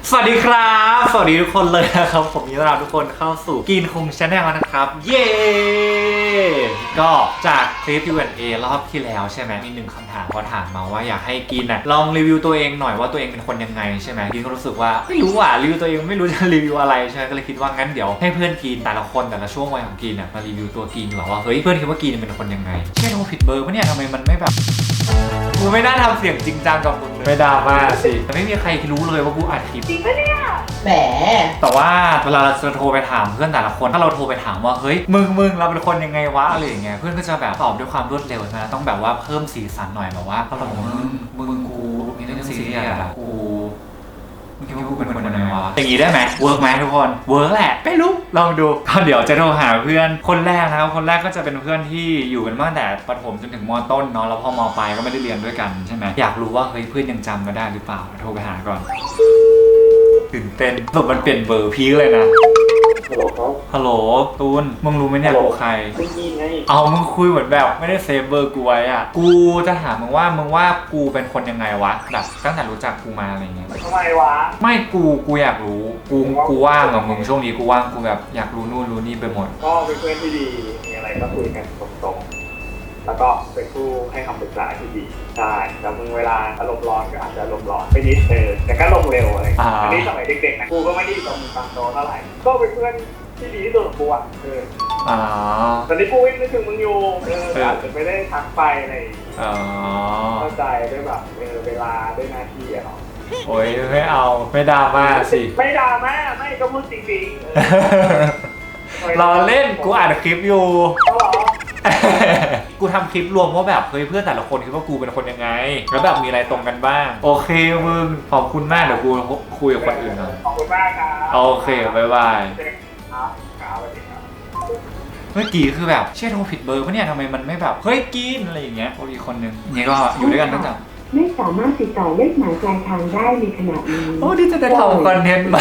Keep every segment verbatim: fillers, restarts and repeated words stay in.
สวัสดีครับสวัสดีทุกคนเลยนะครับผมยินดีต้อนรับทุกคนเข้าสู่กินคุงชาแนลนะครับเย้ก็จากคลิป คิว แอนด์ เอ รอบที่แล้วใช่ไหมมีหนึ่งคำถามเขาถามมาว่าอยากให้กินน่ะลองรีวิวตัวเองหน่อยว่าตัวเองเป็นคนยังไงใช่ไหมกินก็รู้สึกว่าไม่รู้อ่ะรีวิวตัวเองไม่รู้จะรีวิวอะไรใช่ไหมก็เลยคิดว่างั้นเดี๋ยวให้เพื่อนกินแต่ละคนแต่ละช่วงวัยของกินน่ะมารีวิวตัวกินดีกว่าว่าเฮ้ยเพื่อนคิดว่ากินเป็นคนยังไงเช่นโทรผิดเบอร์ปะเนี่ยทำไมมันไม่แบบกูไม่น่าทำเสียงจริงจังกับมึงเลยไม่ดราม่าสิแต่ไม่มีใครรู้เลยว่ากูอัดคลิปจริงปะเนี่ยแหมแต่ว่าเวลาเราจะโทรไปถามเพื่อนแต่ละคนถ้าเราโทรไปถามว่าเฮ้ยมึงมึงเราเป็นคนยังไงวะอะไรอย่างเงี้ยเพื่อนก็จะแบบตอบด้วยความรวดเร็วนะต้องแบบว่าเพิ่มสีสันหน่อยแบบว่าเราบอกมึงมึงกูมีเรื่องซีเรียสอะกูมึงคิดว่ากูเป็นคนยังไงวะอย่างงี้ได้ไหมเวิร์กไหมทุกคนเวิร์กแหละไม่รู้ลองดูก็เดี๋ยวจะโทรหาเพื่อนคนแรกนะครับคนแรกก็จะเป็นเพื่อนที่อยู่กันมาตั้งแต่ประถมจนถึงม.ต้นเนาะแล้วพอม.ปลายก็ไม่ได้เรียนด้วยกันใช่ไหมอยากรู้ว่าเฮ้ยเพื่อนยังจำมาได้หรือเปล่าโทรไปหาก่อนตื่นเต้นสรุปมันเปลี่ยนเบอร์พีคเลยนะฮัลโหลครับฮัลโหลตูนมึงรู้ไหมเนี่ยกูใครไม่ยินไงเอามึงคุยเหมือนแบบไม่ได้เซฟเบอร์กูไว้อ่ะกูจะถามมึงว่ามึงว่ากูเป็นคนยังไงวะแบบตั้งแต่รู้จักกูมาอะไรเงี้ยทำไมวะไม่กูกูอยากรู้กูกูว่างกับมึงช่วงนี้กูว่างกูแบบอยากรู้นู่นรู้นี่ไปหมดก็เป็นเพื่อนที่ดีมีอะไรก็คุยกันตรงๆแล้วก็เป็นผู้ให้คำปรึกษาที่ดีใช่แต่มึงเวลาอารมณ์ร้อนก็อาจจะอารมณ์ร้อนไปนิดเออแต่ก็ลงเร็วอะไรอันนี้สมัยเด็กๆนะกูก็ไม่ได้ตรงตามโตเท่าไหร่ก็เป็นเพื่อนที่ดีที่สุดของกูอ่ะเอออ๋อตอนนี้กูนึกถึงมึงอยู่เอออาจจะไม่ได้ทักไปอะไรอ๋อเข้าใจด้วยแบบเออเวลาด้วยหน้าที่อะเนาะโอ้ยไม่เอาไม่ดราม่าสิไม่ดราม่าไม่ก็พูดจริงๆรอเล่นกูอ่านคลิปอยู่กูทำคลิปรวมว่าแบบเฮ้ยเพื่อนแต่ละคนคิดว่ากูเป็นคนยังไงแล้วแบบมีอะไรตรงกันบ้างโอเคมึงขอบคุณมากเดี๋ยวกูคุยกับคนอื่นหน่อยขอบคุณมากครับโอเคบ๊ายบายครับครับสวัสดีครับเมื่อกี้คือแบบเชื่อโทรผิดเบอร์ปะเนี่ยทำไมมันไม่แบบเฮ้ยกินอะไรอย่างเงี้ยโอ้ยคนนึงนี่ก็อยู่ด้วยกันตั้งแต่ไม่สามารถติดต่อเลขหมายปลายทางได้ในขณะนี้โอ้ดิจะได้ทำคอนเทนต์ไหม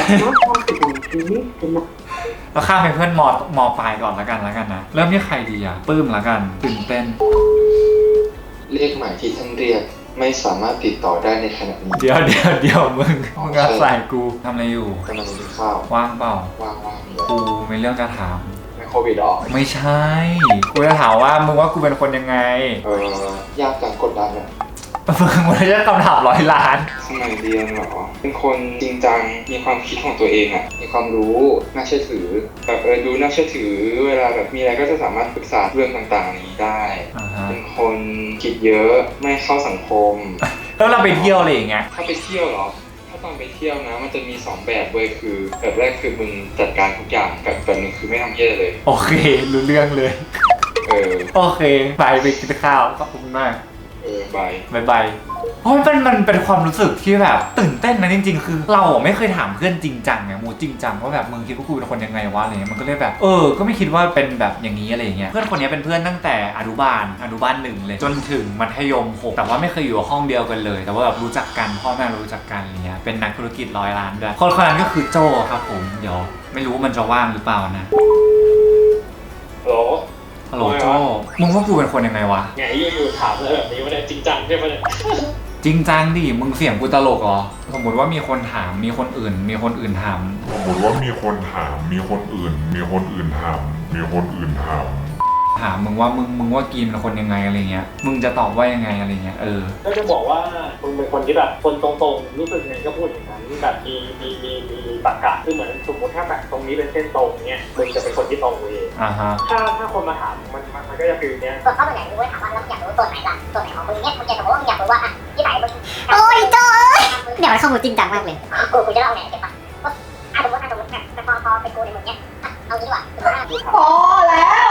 เราข้ามไปเพื่อนมอมอปลายก่อนละกันละกันนะเริ่มที่ใครดีอ่ะปื้มละกันตื่นเต้นเลขหมายที่ท่านเรียกไม่สามารถติดต่อได้ในขณะนี้เดี๋ยวเดี๋ยวเดี๋ยวมึงมึงอาศัยกูทำอะไรอยู่กำลังกินข้าวว่างเปล่าว่างว่างกูมีเรื่องจะถามไม่โควิดหรอไม่ใช่กูจะถามว่ามึงว่ากูเป็นคนยังไงเออยากจังกดดันอะมึงมันจะคำถามร้อยล้านสมัยเรียนเหรอเป็นคนจริงจังมีความคิดของตัวเองอ่ะมีความรู้น่าเชื่อถือแบบเออดูน่าเชื่อถือเวลาแบบมีอะไรก็จะสามารถปรึกษาเรื่องต่างๆนี้ได้เป็นคนคิดเยอะไม่เข้าสังคมแล้วเราไปเที่ยวอะไรอย่างเงี้ยถ้าไปเที่ยวเหรอถ้าตอนไปเที่ยวนะมันจะมีสองแบบเว้ยคือแบบแรกคือมึงจัดการทุกอย่างแบบแบบนึงคือไม่ทำเหี้ยเลยโอเครู้เรื่องเลยเออโอเคไปไปกินข้าวขอบคุณมากเออบายบายบายเพราะมันมันเป็นความรู้สึกที่แบบตื่นเต้นนะจริงๆคือเราไม่เคยถามเพื่อนจริงจังไงมูจริงจังว่าแบบมึงคิดว่ากูเป็นคนยังไงวะอะไรเงี้ยมันก็เลยแบบเออก็ไม่คิดว่าเป็นแบบอย่างนี้อะไรเงี้ยเพื่อนคนนี้เป็นเพื่อนตั้งแต่อนุบาลอนุบาลหนึ่งเลยจนถึงมัธยมหกแต่ว่าไม่เคยอยู่ห้องเดียวกันเลยแต่ว่าแบบรู้จักกันพ่อแม่รู้จักกันอะไรเงี้ยเป็นนักธุรกิจร้อยล้านด้วยคนคนนั้นก็คือโจครับผมเดี๋ยวไม่รู้มันจะว่างหรือเปล่านะโหฮัลโหลโจ้มึงว่ากูเป็นคนยังไงวะไงอยู่ๆถามอะไรแบบนี้วะเนี่ยจริงจังใช่ไหมเนี่ยจริงจังดิมึงเสียงกูตลกเหรอสมมติว่ามีคนถามมีคนอื่นมีคนอื่นถามสมมติว่ามีคนถามมีคนอื่นมีคนอื่นถามมีคนอื่นถามถามมึงว่ามึงมึงว่ากินเป็นคนยังไงอะไรเงี้ยมึงจะตอบว่ายังไงอะไรเงี้ยเออก็จะบอกว่ามึงเป็นคนที่แบบคนตรงๆรู้สึกไงก็พูดอย่างนั้นแบบมีมีมีมีตรรกะคือเหมือนสมมติถ้าแบบตรงนี้เป็นเส้นตรงเนี้ยมึงจะเป็นคนที่ตรงเองอ่าฮะถ้าถ้าคนมาถามมันมันก็จะฟีลเนี้ยส่วนเข้าตัวไหนมึงไม่ถามว่าแล้วมึงอยากรู้ตัวไหนล่ะตัวไหนของมึงเนี้ยมึงจะสมมติว่ามึงอยากรู้ว่าอ่ะที่ไหนมึงโอ้ยโจ้เดี๋ยวข้อมูลจริงจังมากเลยกูกูจะเล่าไหนเก็บปะอ่ะสมมติอ่ะสมมติเนี่ยแต่พอพอเป็นกูในมึงเนี้ยเอางี้ดีกว่าพอแล้ว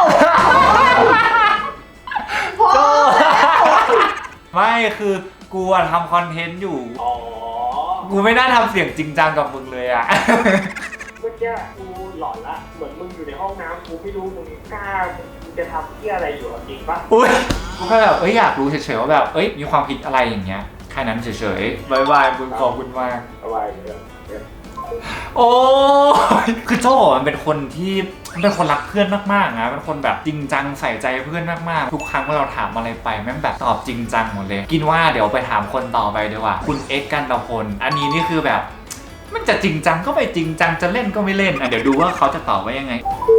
พอไม่คือกูอะทำคอนเทนต์อยู่อ๋อกูไม่น่าทำเสียงจริงจังกับมึงเลยอะเมื่อกี้กูหลอนละเหมือนมึงอยู่ในห้องน้ำกูไม่รู้มึงกล้ามึงจะทำที่อะไรอยู่จริงปะอุ้ยกูแค่แบบเอ้ยอยากรู้เฉยๆว่าแบบเอ้ยมีความคิดอะไรอย่างเงี้ยแค่นั้นเฉยๆบายบายมึงขอบคุณมากบายบายเดี๋ยวโอ้ยคือโจ้มันเป็นคนที่เป็นคนรักเพื่อนมากๆนะเป็นคนแบบจริงจังใส่ใจเพื่อนมากๆทุกครั้งเมื่อเราถามอะไรไปแม่งแบบตอบจริงจังหมดเลยกินว่าเดี๋ยวไปถามคนต่อไปดีกว่าคุณเอ็กซ์กันตะพลอันนี้นี่คือแบบมันจะจริงจังก็ไม่จริงจังจะเล่นก็ไม่เล่นอ่ะเดี๋ยวดูว่าเขาจะตอบว่ายังไง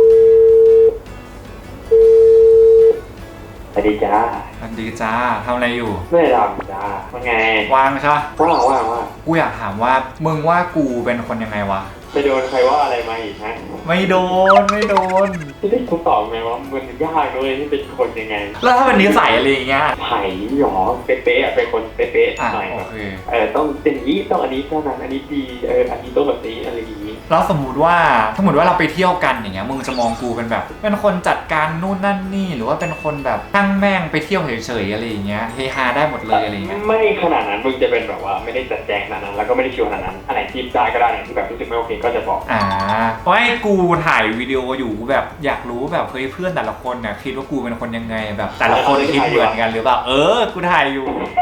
สวัสดีจ้าสวัสดีจ้าทำอะไรอยู่ไม่ได้ทำจ้าว่าไงวางใช่ปะว่างว่างว่างกูอยากถามว่ามึงว่ากูเป็นคนยังไงวะไปโดนใครว่าอะไรมาอีกฮะไม่โดนไม่โดนที่ได้คุณตอบไหมว่ามันยากเลยที่เป็นคนยังไงแล้วถ้าเป็นนิสัยอะไรอย่างเงี้ยไผ่หยอเป๊ะๆอ่ะเป็นคนเป๊ะอ่ะๆหน่อยโอเคเออต้องเป็นอย่างนี้ต้องอันนี้เท่านั้นอันนี้ดีเอออันนี้ต้องแบบนี้อะไรอย่างนี้แล้วสมมุติว่าสมมติว่าเราไปเที่ยวกันอย่างเงี้ยมึงจะมองกูเป็นแบบ เป็นคนจัดการนู่นนั่นนี่หรือว่าเป็นคนแบบตั้งแม่งไปเที่ยวเฉยๆอะไรอย่างเงี้ยเฮฮาได้หมดเลยอะไรอย่างเงี้ยไม่ขนาดนั้นมึงจะเป็นแบบว่าไม่ได้จัดแจงขนาดนั้นแล้วก็ไม่ได้ชิวขนาดนั้นอันไหนที่ได้ก็ได้อย่างที่แบบรู้สึกไม่โอเคก็จะบอกอ่าเพราะไอ้กูถ่ายวิดีโออยู่กูแบบอยากรู้แบบเฮ้ยเพื่อนแต่ละคนเนี่ยคิดว่ากูเป็นคนยังไงแบบ แต่ละคนคิดเหมือนกันหรือเปล่าเออกูถ่ายอยู่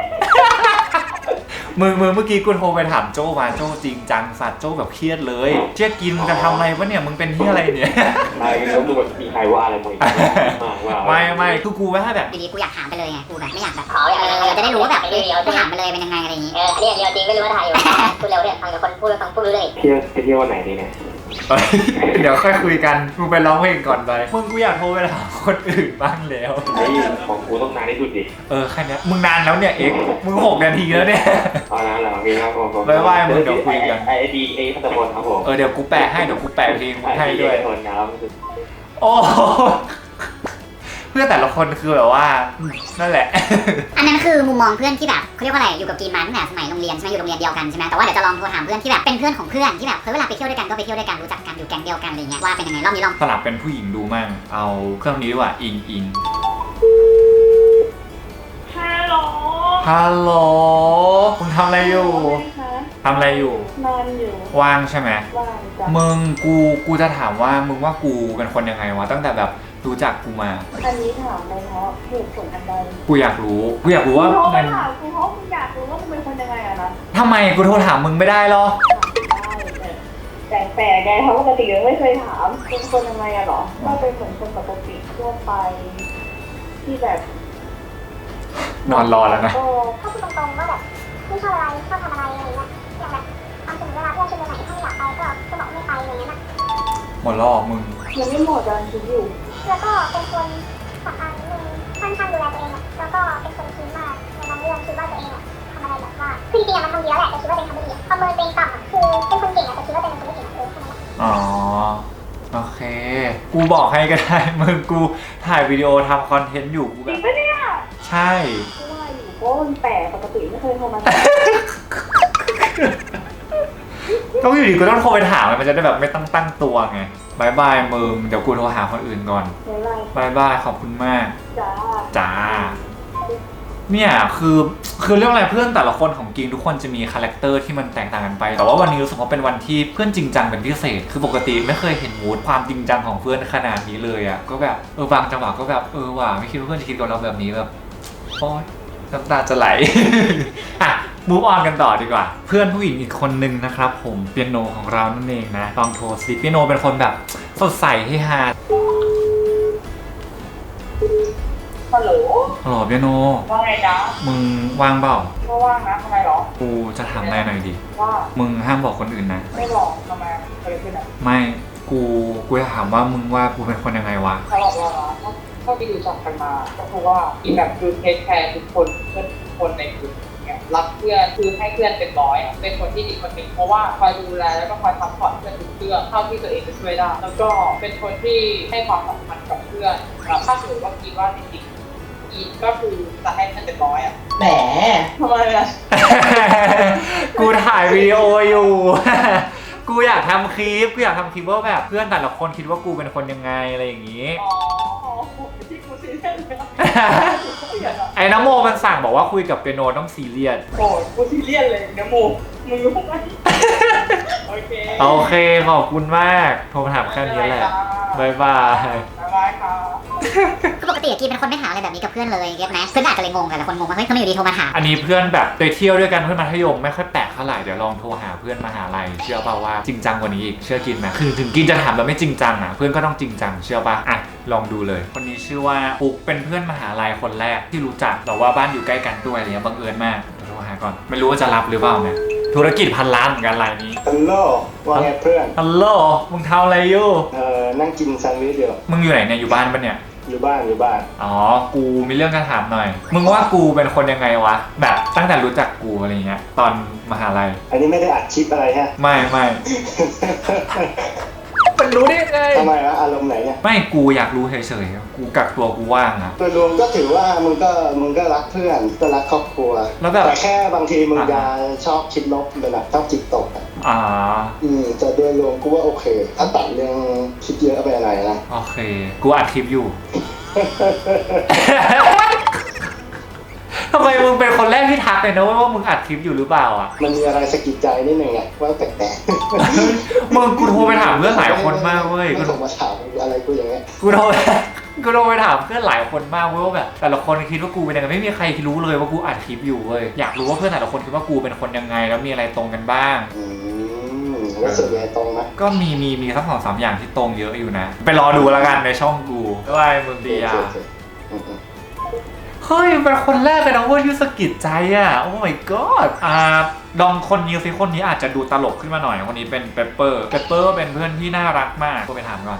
มึงมึงเมื่อกี้กูโทรไปถามโจ้มาโจ้จริงจังสัตว์โจ้แบบเครียดเลยเจ๊กินจะทำอะไรวะเนี่ยมึงเป็นที่อะไรเนี่ยอะไรแล้วมึงแบบมีใครว่าอะไรมึงมากว่าไม่ไม่คือกูว่าแบบอยู่ดีกูอยากถามไปเลยไงกูแบบไม่อยากแบบเออจะได้รู้ว่าแบบเออกูถามไปเลยเป็นยังไงอะไรอย่างงี้เอออันนี้เดียวจริงไม่รู้ว่าถ่ายอยู่พูดเร็วเนี่ยฟังกับคนพูดฟังพูดเลยเที่ยวไปเที่ยววันไหนดีเนี่ยเอ้ยเดี๋ยวค่อยคุยกันมึงไปร้องเพลงก่อนไปมึงกูอยากโทรไปถามคนอื่นบ้างแล้วไอ้ของกูต้องนานที่สุดดิเออแค่เนี้ยมึงนานแล้วเนี่ยเอ็กซ์มึงหกนาทีแล้วเนี่ยเอาละเหรอมีครับผมบ๊ายบายมึงเดี๋ยวคุยกันไอดีเอพัตพลครับผมเออเดี๋ยวกูแปะให้เดี๋ยวกูแปะเพลงมึงให้ด้วยคนครับโอ้โหเพื่อนแต่ละคนคือแบบว่านั่นแหละอันนั้นคือมุมมองเพื่อนที่แบบเขาเรียกว่าอะไรอยู่กับกีนมาตั้งแต่สมัยโรงเรียนใช่ไหมอยู่โรงเรียนเดียวกันใช่ไหมแต่ว่าเดี๋ยวจะลองโทรถามเพื่อนที่แบบเป็นเพื่อนของเพื่อนที่แบบเฮ้ยเวลาไปเที่ยวด้วยกันก็ไปเที่ยวด้วยกันรู้จักกันอยู่แก๊งเดียวกันอะไรเงี้ยว่าเป็นยังไงรอบนี้ลองสลับเป็นผู้หญิงดูมั่งเอาเครื่องนี้ดีกว่าอิงอิงฮัลโหลฮัลโหลมึงทำอะไรอยู่ทำอะไรอยู่นอนอยู่ว่างใช่ไหมว่างจ้ะมึงกูกูจะถามว่ามึงว่ากูเป็นคนยังไงวะตั้งแต่แบบรู้จักกูมาอันนี้ถามไปเพราะเหตุผลอันใดกูอยากรู้กูอยากรู้ว่ากูโทรไปมันถามกูเพราะมึงอยากรู้ว่ามึงเป็นคนยังไงอะนะทำไมกูโทรถามมึงไม่ได้หรอแต่แต่ไงเพราะปกติยังไม่เคยถามเป็นคนยังไงอะหรอก็เป็นเหมือนคนปกติทั่วไป ที่แบบนอนรอแล้วนะก็ถ้าพูดตรงๆว่าแบบไม่ชอบอะไรชอบทำอะไรอะไรเงี้ยอย่างแบบทำถึงเวลาเพื่อนชวนไปไหนถ้าไม่อยากไปก็ก็บอกไม่ไปอะไรเงี้ยนะหมดรอบมึงยังไม่หมดการคิดอยู่แล้วก็เป็นคนสำคัญนิดนึงค่อนข้างดูแลตัวเองอะแล้วก็เป็นคนคิดมากในบางเรื่องคิดว่าตัวเองอะทำอะไรแบบว่าคือจริงๆอะมันทำดีแล้วแหละแต่คิดว่าตัวเองทำไม่ดีประเมินตัวเองต่ำอะคือเป็นคนเก่งอะแต่คิดว่าตัวเองเป็นคนไม่เก่งอะเออแค่นั้นแหละอ๋อโอเค กูบอกให้ก็ได้ มึงกูถ่ายวิดีโอทำคอนเทนต์อยู่กูจแบริงบปะเนี่ยใช่ไม่ว่าอยู่เพราะว่ามันแปลกปกติไม่เคยโทรมาต้องอยู่ดีกูต้องโทรไปถามมันจะได้แบบไม่ตั้งตั้งตัวไงบายบายมึงเดี๋ยวกูโทรหาคนอื่นก่อนเดี๋ยวไล่บายบายขอบคุณมากจ้าจ้าเนี่ยคือคือเรื่องอะไรเพื่อนแต่ละคนของกิงทุกคนจะมีคาแรคเตอร์ที่มันแตกต่างกันไป แต่ว่าวันนี้รู้สึกว่าเป็นวันที่เพื่อนจริงจังเป็นพิเศษ คือปกติไม่เคยเห็นมูดความจริงจังของเพื่อนขนาดนี้เลยอ่ะก็แบบเออบางจังหวะก็แบบเออว่ะไม่คิดว่าเพื่อนจะคิดกับเราแบบนี้แบบโอ๊ยน้ำตาจะไหล อ่ะมูฟออนกันต่อดีกว่า เพื่อนผู้หญิงอีกคนนึงนะครับผมเปียโนของเรานั่นเองนะลองโทรสิเปียโนเป็นคนแบบสดใสเฮฮาฮัลโหลฮัลโหลเปียโนว่าไงจ๊ะมึงว่างเปล่าก็ว่างนะทำไมหรอกูจะถามอะไรหน่อยดิว่ามึงห้ามบอกคนอื่นนะไม่บอกทำไมเกิดอะไรขึ้นอ่ะไม่ กู กูจะถามว่ามึงว่ากูเป็นคนยังไงวะเขาบอกเราเหรอเท่าที่รู้จักกันมาก็คือว่าอีแบบคือเทคแคร์ทุกคนเพื่อนทุกคนในกลุ่มเนี่ยรักเพื่อนคือให้เพื่อนเป็นร้อยอะเป็นคนที่ดีคนหนึ่งเพราะว่าคอยดูแลแล้วก็คอยซัพพอร์ตเพื่อนทุกเรื่องเท่าที่ตัวเองจะช่วยได้แล้วก็เป็นคนที่ให้ความสำคัญกับเพื่อนแบบถ้าสมมติว่าคิดว่าจริงๆอีก็คือจะให้เพื่อนเป็นร้อยอ่ะแหมทำไมอ่ะกูถ่ายวิดีโออยู่ กูอยากทำคลิป กูอยากทำคลิปว่าแบบเพื่อนแต่ละคนคิดว่ากูเป็นคนยังไงอะไรอย่างงี้อ๋อที่กูซีเรียสเลยไอ้น้ำโมมันสั่งบอกว่าคุยกับเปียโนต้องซีเรียสโอ้ยกูซีเรียสเลยนะโมมึงรู้ไหมโอเคโอเคขอบคุณมาก โทรมาถามแค่นี้แหละบายบายบ๊ายบายค่ะคือปกติกีเป็นคนไม่ถามอะไรแบบนี้กับเพื่อนเลยเก็ตไหมเพื่อนอาจจะเลยงงกันแต่คนงงว่าเฮ้ยทำไมอยู่ดีโทรมาถามอันนี้เพื่อนแบบไปเที่ยวด้วยกันเพื่อนมัธยมไม่ค่อยแปลกเท่าไหร่เดี๋ยวลองโทรหาเพื่อนมหาลัยเชื่อป่าวว่าจริงจังกว่านี้อีกเชื่อกินไหมคือถึงกินจะถามแบบไม่จริงจังอ่ะเพื่อนก็ต้องจริงจังเชื่อป่ะอ่ะลองดูเลย คนนี้ชื่อว่าปุ๊กเป็นเพื่อนมหาลัยคนแรกที่รู้จักแต่ว่าบ้านอยู่ใกล้กันด้วยอะไรเงี้ยบังเอิญมากเดี๋ยวโทรหาก่อนไม่รู้ว่าจะรับหรือเปล่านะธุรกิจพันล้านเหมือนกันรายนี้ฮัลโหลว่าไงเพื่อนฮัลโหลมึงทำอะไรอยู่เอ่อนั่งกินแซนด์วิชอยู่มึงอยู่ไหนเนี่ยอยู่บ้านปะเนี่ยอยู่บ้านอยู่บ้านอ๋อกูมีเรื่องจะถามหน่อยมึงว่ากูเป็นคนยังไงวะแบบตั้งแต่รู้จักกูอะไรเงี้ยตอนมหาลัยอันนี้ไม่ได้อัดคลิปอะไรฮะไม่ไม่ มันรู้ได้ไงทำไมวะอารมณ์ไหนเนี่ยไม่กูอยากรู้เฉยๆกูกักตัวกูว่างอะโดยรวมก็ถือว่ามึงก็มึงก็รักเพื่อนก็รักครอบครัวแล้วแบบแต่แค่บางทีมึงจะชอบคิดลบเป็นแบบชอบจิตตกอะอ่าอืมแต่โดยรวมกูว่าโอเค ถ้าตัดเรื่องคิดเยอะไปอะไรนะโอเคกูอัดคลิปอยู่ ทำไมมึงเป็นคนแรกที่ทักเลยนะว่ามึงอัดคลิปอยู่หรือเปล่าอ่ะมันมีอะไรสะกิดใจนิดนึงไงว่าแปลกมึงกูโทรไปถามเพื่อนหลายคนมากเว้ยไม่ส่งมาถามอะไรกูอย่างเงี้ยกูโทรกูโทรไปถามเพื่อนหลายคนมากเว้ยว่าแบบแต่ละคนคิดว่ากูเป็นยังไงไม่มีใครรู้เลยว่ากูอัดคลิปอยู่เว้ยอยากรู้ว่าเพื่อนแต่ละคนคิดว่ากูเป็นคนยังไงแล้วมีอะไรตรงกันบ้างอืมแล้วส่วนใหญ่ตรงไหมก็มีมีมีสักสองสามอย่างที่ตรงเยอะอยู่นะไปรอดูแล้วกันในช่องกูด้วยมึงดีอ่ะโอเคโอเคอืมเฮ้ยเป็นคนแรกเลยนะเว้ยที่สะกิดใจอ่ะโอ้ my god อ่าลองคนนี้สิคนนี้อาจจะดูตลกขึ้นมาหน่อยคนนี้เป็นเปปเปอร์เปปเปอร์เป็นเพื่อนที่น่ารักมากก็ไปถามก่อน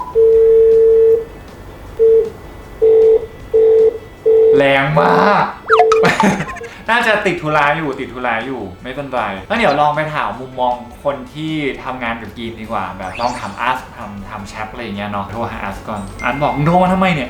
แรงมาก น่าจะติดธุระอยู่ติดธุระอยู่ไม่เป็นไรแล้วเดี๋ยวลองไปถามมุมมองคนที่ทำงานกับกีนดีกว่าแบบลองถามอาร์ตทำทำแชทอะไรอย่างเงี้ยเนาะโทรหาอาร์ตก่อนอาร์ตบอกมึงโทรมาทำไมเนี่ย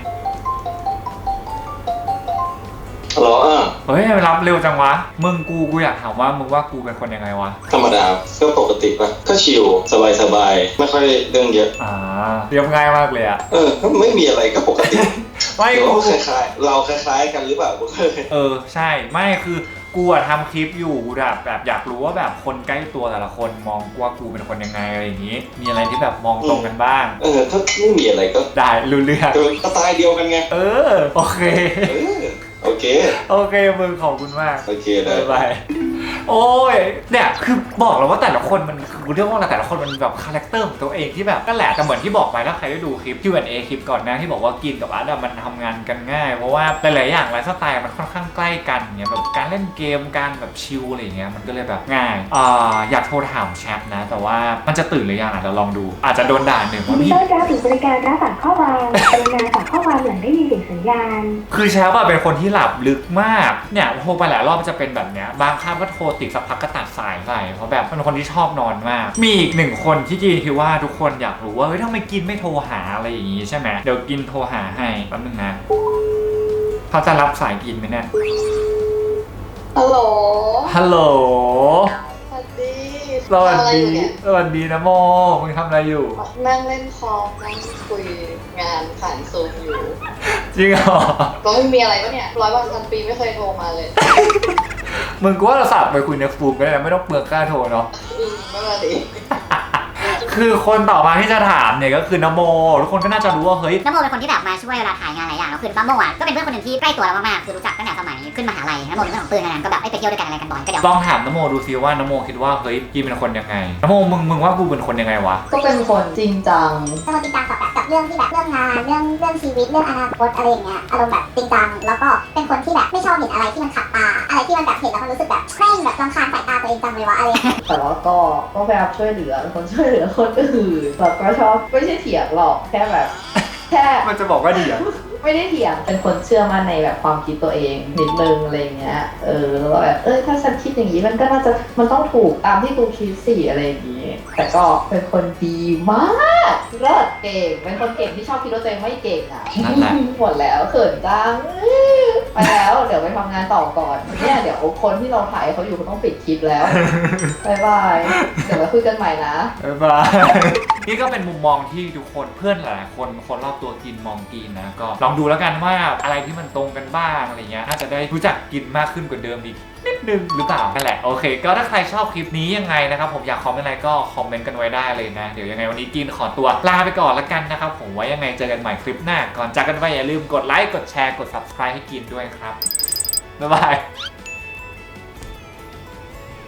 ฮัลโหลอ่ะเฮ้ยรับเร็วจังวะมึงกูกูอยากถามว่ามึงว่ากูเป็นคนยังไงวะธรรมดาก็ปกติปะก็ชิลสบายสบายไม่ค่อยเรื่องเยอะอ่าเรียบง่ายมากเลยอะเออก็ไม่มีอะไรก็ปกติไม่เดี๋ยวกูคล้ายๆเราคล้ายๆกันหรือเปล่ากูเคยเออใช่ไม่คือกูอะทำคลิปอยู่กูแบบแบบอยากรู้ว่าแบบคนใกล้ตัวแต่ละคนมองว่ากูเป็นคนยังไงอะไรอย่างงี้ มีอะไรที่แบบมองตรงกันบ้างเออถ้าไม่มีอะไรก็ได้รู้เรื่องเออสไตล์เดียวกันไงเออโอเคเออโอเคโอเคมึงขอบคุณมากโอเคได้บ๊ายบายโอ้ยเนี่ยคือบอกแล้วว่าแต่ละคนมันคือเรื่องว่าอะไรแต่ละคนมันแบบคาแรคเตอร์ของตัวเองที่แบบก็แหละแต่เหมือนที่บอกไปถ้าใครได้ดูคลิป คิว แอนด์ เอ คลิปก่อนหน้าที่บอกว่ากินกับอาร์ตมันทำงานกันง่ายเพราะว่าหลายๆอย่างไลฟ์สไตล์มันค่อนข้างใกล้กันเนี่ยแบบการเล่นเกมการแบบชิลอะไรอย่างเงี้ยมันก็เลยแบบง่ายอ่าอยากโทรถามแชทนะแต่ว่ามันจะตื่นหรือยังอาจจะลองดูอาจจะโดนด่าหนึ่งว่ายินดีพี่ต้อนรับถึงบริการรับฝากข้อความกรุณาฝากข้อความหลังได้ยินเสียงสัญญาณคือแชทอะเป็นคนที่หลับลึกมากเนี่ยโทรไปหลายรอบจะเป็นแบบเนี้ยบางครั้งก็โทรติดสักพักก็ตัดสายไปเพราะแบบเป็นคนที่ชอบนอนมากมีอีกหนึ่งคนที่กินคิดว่าทุกคนอยากรู้ว่าเฮ้ยทำไมกินไม่โทรหาอะไรอย่างงี้ใช่ไหมเดี๋ยวกินโทรหาให้แป๊บนึงนะเขาจะรับสายกินไหมเนี่ยฮัลโหลฮัลโหลสวัสดีสวัสทำอะไรดีอยู่เนี่ยสวัสดีนะโมมึงทำอะไรอยู่นั่งเล่นคอมนั่งคุยงานผ่านซูมอยู่จริงเหรอก็ไม่มีอะไรปะเนี่ยร้อยวันพันปีไม่เคยโทรมาเลยมึงก็ว่าเราสับไปคุยในฟูมก็ได้นะไม่ต้องเปลืองค่าโทรเนาะอืมไม่มาดิคือคนต่อมาที่จะถามเนี่ยก็คือนโมทุกคนก็น่าจะรู้ว่าเฮ้ยน้ำโมเป็นคนที่แบบมาช่วยเวลาถ่ายงานหลายอย่างแล้วคือน้ำโมอ่ะก็เป็นเพื่อนคนหนึ่งที่ใกล้ตัวเรามากๆคือรู้จักตั้งแต่สมัยขึ้นมหาลัยน้ำโมเป็นเพื่อนของปืนกันก็แบบไปเที่ยวด้วยกันอะไรกันบ่อยก็เดี๋ยวลองถามนโมดูซิว่านโมคิดว่าเฮ้ยกีเป็นคนยังไงนโมมึงมึงว่ากูเป็นคนยังไงวะก็เป็นคนจริงจังเป็นคนจริงจังกับแบบกับเรื่องที่แบบเรื่องงานเรื่องเรื่องชีวิตเรื่องอนาคตอะไรอย่างเงี้ยอารมณ์แบบจริงจังแล้วก็เป็นคนที่แบบไม่ชอบเห็นอะไรที่มันขัดตาอะไรที่มันแบบเห็นแล้วมันรู้สึกแบบเคร่งแบบรำคาญสายตาตัวเองจังเลยวะอะไรแต่ว่าก็ก็พยายามช่วยเหลือเป็นคนช่วยเหลือคนอื่นแล้วก็ชอบไม่ใช่เถียงหรอกแค่แบบ แค่มันจะบอกว่าดีอะไม่ได้เถียงเป็นคนเชื่อมั่นในแบบความคิดตัวเองนิดนึงอะไรเงี้ยเออแล้วแบบเออถ้าฉันคิดอย่างนี้มันก็น่าจะมันต้องถูกตามที่กูคิดสิอะไรอย่างนี้แต่ก็เป็นคนดีมากเลิศเก่งเป็นคนเก่งที่ชอบคิดว่าตัวเองไม่เก่งอ่ะนั่นแหละหมดแล้วเขินจังไปแล้วเดี๋ยวไปทำงานต่อก่อนเนี่ยเดี๋ยวคนที่เราถ่ายเขาอยู่เขาต้องปิดคลิปแล้วบายบายเดี๋ยวมาคุยกันใหม่นะบ๊ายบายนี่ก็เป็นมุมมองที่ทุกคนเพื่อนหลายๆคนคนรอบตัวกินมองกินนะก็ลองดูแล้วกันว่าอะไรที่มันตรงกันบ้างอะไรเงี้ยน่าจะได้รู้จักกินมากขึ้นกว่าเดิมอีกนิดนึงหรือเปล่านั่นแหละโอเคก็ถ้าใครชอบคลิปนี้ยังไงนะครับผมอยากคอมเมนต์อะไรก็คอมเมนต์กันไว้ได้เลยนะเดี๋ยวยังไงวันนี้กินขอตัวลาไปก่อนละกันนะครับผมไว้ยังไงเจอกันใหม่คลิปหน้าก่อนจากกันไปอย่าลืมกดไลค์กดแชร์กด ซับสไครบ์ ให้กินด้วยครับบ๊ายบาย